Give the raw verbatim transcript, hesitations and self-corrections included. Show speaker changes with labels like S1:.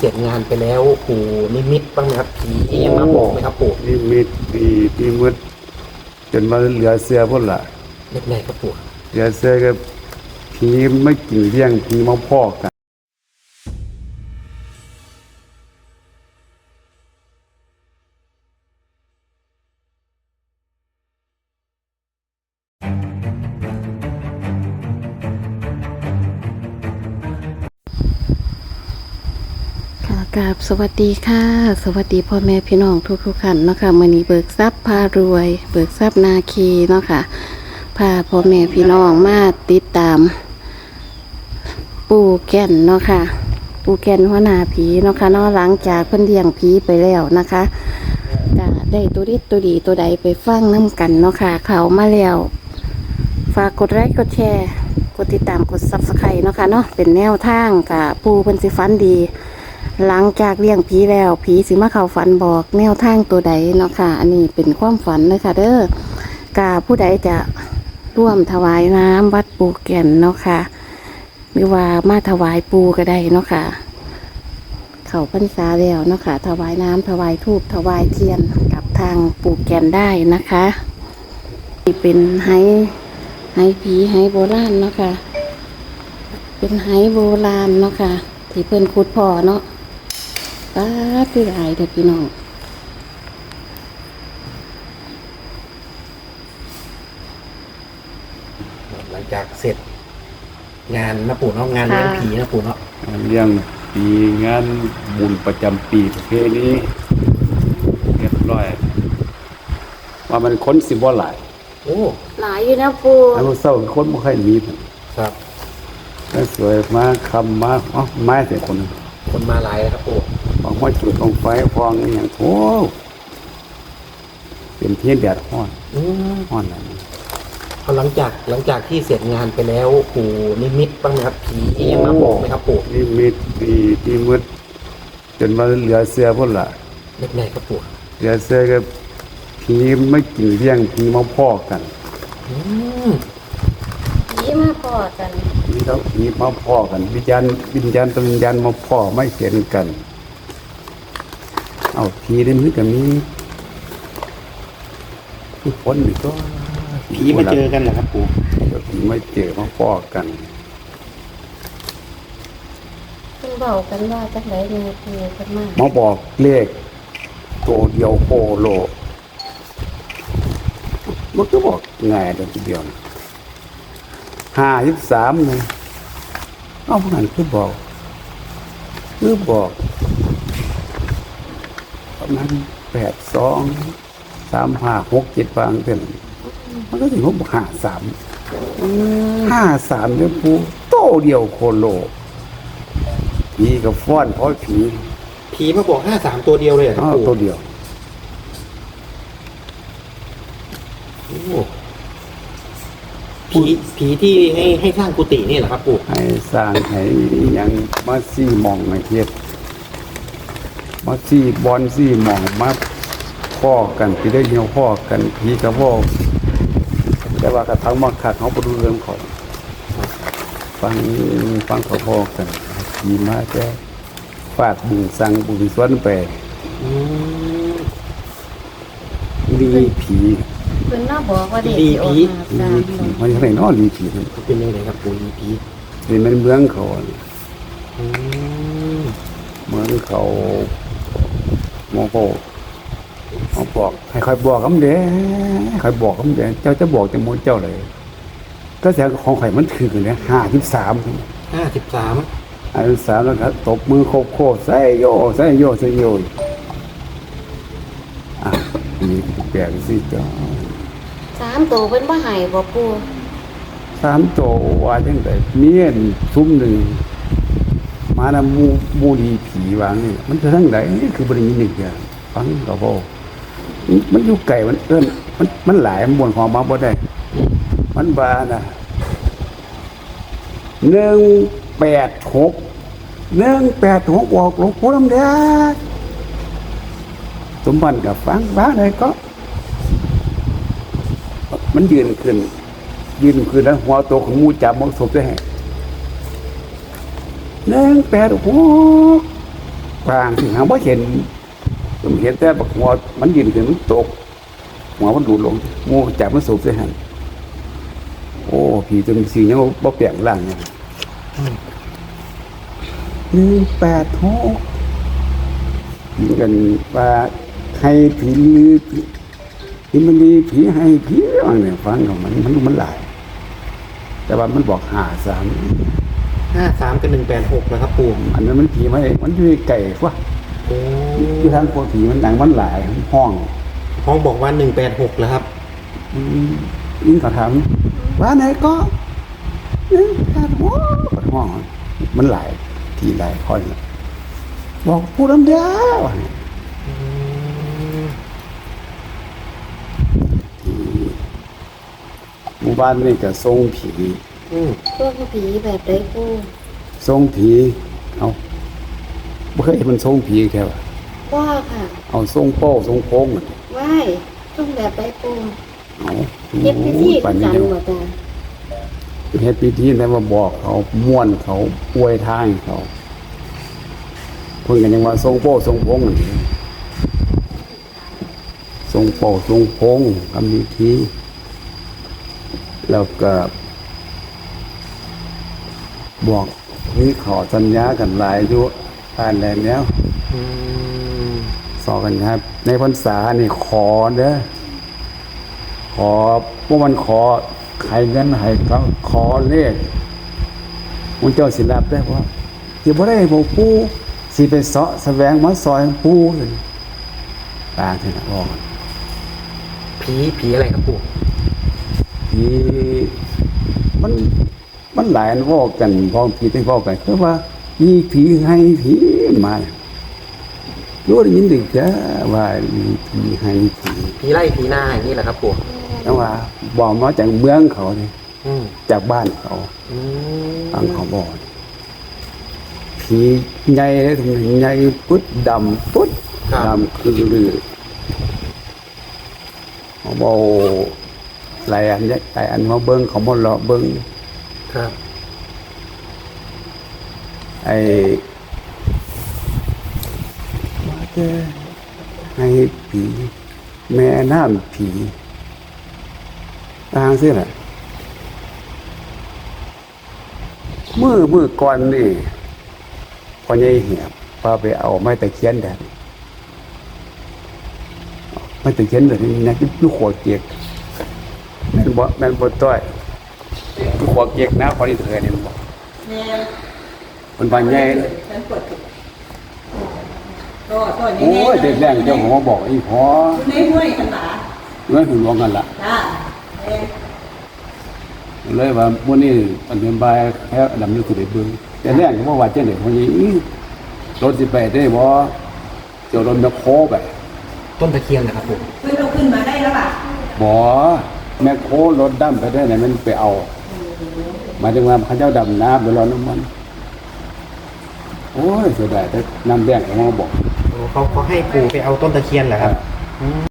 S1: เสร็จงานไปแล้วปู่นิมิตบ้างไหมครับผียังมาบอกไหมครับปู่
S2: นิมิตปีปีมืดจนมาเหลือเสือพุ่นล่ะ
S1: เล็กไหนครับปู่
S2: เหลือเสือก็ผีไม่กินเลี้ยงผีมาพอกกัน
S3: กราบสวัสดีค่ะสวัสดีพ่อแม่พี่น้องทุกทุกท่านเนาะค่ะมื้อนี้เบิกทรัพย์พารวย เบิกทรัพย์นาคีเนาะค่ะพาพ่อแม่พี่น้องมาติดตาม ปู่แก่นเนาะค่ะปู่แก่นหัวหน้าผีเนาะค่ะเนาะหลังจากเพิ่นเลี้ยงผีไปแล้วนะคะก็ได้ตัวดีตัวดีตัวใดไปฟังน้ำกันเนาะค่ะเขามาแล้วฝากกดไลค์กดแชร์กดติดตามกดซับสไครต์เนาะค่ะเนาะเป็นแนวทางกับปู่เพิ่นสิฟันดีหลังจากเลี้ยงผีแล้วผีสิมาเข้าฝันบอกแนวทางตัวใดเนาะค่ะอันนี้เป็นความฝันเลยค่ะเด้อกาผู้ใดจะร่วมถวายน้ำวัดปู่แก่นเนาะค่ะหรือว่ามาถวายปูก็ได้เนาะค่ะเข้าพรรษาแล้วเนาะค่ะถวายน้ำถวายธูปถวายเทียนกับทางปู่แก่นได้นะคะนี่เป็นไห้ไห้ผีไห้โบราณเนาะค่ะเป็นไห้โบราณเนาะค่ะที่เพิ่นขุดพ่อเนาะป้าคือหลายเด็กพี่น้อง
S1: หลังจากเสร็จงานนะปู่เนาะงานเลี้ยงผีนะปู่เนาะ
S2: เลี้ยงปีงานบุญประจำปีประเพณีเรียบร้อยว่ามันคนสิบ่หลาย
S1: โอ้
S3: หลายอยู่นะปู่
S2: อันเศร้าคนบ่ค่อยมี
S1: ครับ
S2: แล้วสวยมาคำมาอ๋อไม้แต่คน
S1: คนมาหลายครับปู่
S2: บางว่าจุดลงไฟพองอย่างโถเป็นเทียนแดดห้อนห้อนอะไร
S1: พอหลังจากหลังจากที่เสร็จงานไปแล้วปู่นิมิตบ้างไหมครับผียังมาบอกไหมครับปู่
S2: นิมิตปีปีมืดจนมาเหลือเสือพุ่นล่ะ
S1: เล็กไหนครับปู่
S2: เหลือเสือก็ผีไม่กินเลี้ยงผีมาพอกกัน
S3: ผีมาพอกัน
S2: ผีเขาผีมาพอกันวิญญาณวิญญาณตวิญญาณมาพอไม่เห็นกันเอาผีได้มือกับมีทุกคนนี่ก็
S1: ผีมาเจอกันเหรอครับปู่
S2: ผีไม่เจอมาพอกัน
S3: เพิ่นเบากันว่าจักไหนมีปู่กันมาก
S2: มาบอกเลขตัวเดียวโคโลมันก็บอกง่ายเดียวทีเดียวห้าสิบสามเลยเอาพวกนั้นคือบอกคือบอกประมาณแปดสองสามห้าหกเจ็ดบางเต็มมันก็ถึงหกห้าสามห้าสามเนี่ยปูโตเดียวโคโลผีกับฟ้อนเพราะผี
S1: ผีมาบอกห้าสามตัวเดียวเลยอ่ะ
S2: ครับตัวเดียว
S1: ผีผีที่ให้ให้สร้างกุฏินี่เหรอครับปู่
S2: ให้สร้างให้ยังมาซี่มองมาเทียบมาซี่บอลซี่มองมาพ่อกันที่ได้เหี่ยวพ่อกันผีกับพ่อแต่ว่ากระทั่งมาขาดเขาบรรลุเรื่องของฟังฟังเขาพ่อกันผีมาแค่ฟาดบุญสั่งบุญสวนไปลีผี
S3: เป็นน่าบอกว่าเด็ก
S1: ลีผี
S2: ลีผีมันยังไงน้อลีผี
S1: เป็นยังไงครับปู่ลีผี
S2: เป็นเหมือนเมืองเขาเมืองเขาโมโหเขาบอกให้ใครบอกคำเดียวใครบอกคำเดียวเจ้าจะบอกจะโมเจ้าเลยก็แสดงของใครมันถือเนี่ยห้าสิบสาม
S1: ห้าสิบสาม
S2: ห้าสิบสามแล้วครับตบมือโคโค่ใส่โยใส่โยใส่โยอ่ะนี่แปลกสิจ้า
S3: สามตัวเป็นบ่หายบ่ปู่
S2: สามตัวว่าจังไดเมียนซุ้มหนึ่งมานะมูมูดีผีวางนี่มันจะทั้งไหนนี่คือบริญินหนึ่งอย่างฟังกับพ่อมันอยู่ไก่มันเอิ้นมันมันหลายมันบนของมาบ่ได้มันบานะหนึ่งแปดหกหนึ่งแปดหกออกหลวงปู่ลำแดงสมบัติกับฟังบ้าเลยก็มันยืนขึ้นยืนขึ้นแล้วหัวโตของมูจับมันศพได้หนึ่งแปดหกกลางถึงหาบ่เห็นผมเห็นแต่บักหัวมันยืนขึ้นมันตกหัวมันดูดลงโม่จับมันสูบใส่หันโอ้ผีตัวนี้สิยังบ่แปลงร่างเนี่ยหนึ่งแปดหกยิงกันว่าให้ผีผีมันดีผีให้ผีว่าเนี่ยฟังของมันมันมันหลายแต่ว่ามันบอกหาสาม
S1: ห้าสามกับหนึ่งแปดหกนะครับปู่
S2: อันนั้นมันผีไม่มันอยู่ไก่วะ
S1: โอ้
S2: อยู่ทางโคผีมันหนังมันหลายห้อง
S1: ห้องบอกว่าหนึ่งแปดหกแล้วครับ
S2: อืมยิ่งเขาถามว่าไหนก็หนึ่งแปดหกห้องมันหลายทีหลายคนบอกพูดลำเดียวหมู่บ้านนี่ก็ทรงผี
S1: อืม
S3: พวกผีแบบไดปู
S2: ทรงผีเอาไม่เคยเห็นมันทรงผีแค่ว่า
S3: ว่าค่ะ
S2: เอาทรงโป้ทรงโค้ง
S3: ว่ายต้องแบบไดปู
S2: เอา
S3: เฮ็ดพิธี
S2: ปั
S3: กัน น
S2: นี้
S3: จัง
S2: เดียว
S3: บ่จ้ะ
S2: เฮ็ดพิธีแล้วมาบอกเขาม่วนเขาอวยทางเขาเพิ่นกันยังว่าทรงโป้ทรงโค้งนั่นเองทรงโป้ทรงโค้งทำพิธีแล้วก็บอกนี่ขอสัญญากันหลายอยู่อ่านแล้วแล้ว
S1: อืม
S2: สอกันครับ ในพรรษานี่ขอเด้อขอพวกมันขอใครเงินให้เขาขอเลขมันเจ้าสิรับได้เพราะที่บ่ได้บอกปู่สิไปเสาะแสวงมาซอยปู่เลยตางที่นะบอก
S1: ผีผีอะไรครับปู่
S2: ผีมันมันหลายอันเว้ากันพ้องผีที่เว้ากันคือว่ามีผีให้ผีมารู้ได้ยินดึกจ้าว่ามีผีให้ผี
S1: ผีไล่ผีหน้าอย่างนี้แหละครับปู่
S2: แต่ว่าบอกมาจากเมืองเขาเนี่ย
S1: อืม
S2: จากบ้านเขา
S1: อืม
S2: ทางเขาบอกผีใหญ่เลยถึงใหญ่ปุ๊ดดำปุ๊ดดำคือลือเขาบอกหลายอันหลายอันมาเบิ้งเขามาเลาะเบิ้ง
S1: ครับ
S2: ไอ้มาเจอให้ผีแม่น้ำผีทางสิแหละมือมือก่อนนี่พอใหญ่เหียบพาไปเอาไม้ตะเคียนแดดไม้ตะเคียนแบบนี้นะลูกขวดเกียกแม่นบ่แม่นบ่ต้อยลูกขวดเกียกนะพอดีเถิดนี่มันบอกมันบานใหญ่
S4: ฉันปวดตัวตัวนี้
S2: โอ้ยเด็กแรงเจ้าหัวบอกอีพอ
S4: ในห้วยขนาด
S2: เงื่อนถึงรวงกันละ
S4: จ้าเอ๊ะ
S2: เลยว่ามื้อนี้อันเป็นบายแค่ดำนึกถึงได้เบิ่งแต่แรงก็บ่ว่าจังได๋พอนี้อีรถสิไปได้บ่เจ้ารถแมคโครไป
S1: ต้นตะเคียนนะครับปู่
S4: เพื่อนเราขึ้นมาได้แล้วป่ะ
S2: บ่แมคโครรถดำไปได้ไหนมันไปเอาหมายถึงว่าเขาเจ้าดำน้ำไปรอน้ำมันโอ้ยเสียดายแต่น้ำแดงก็มาบอก
S1: โอ้เขาเขาให้ปู่ไปเอาต้นตะเคียนเหรอครับ อืม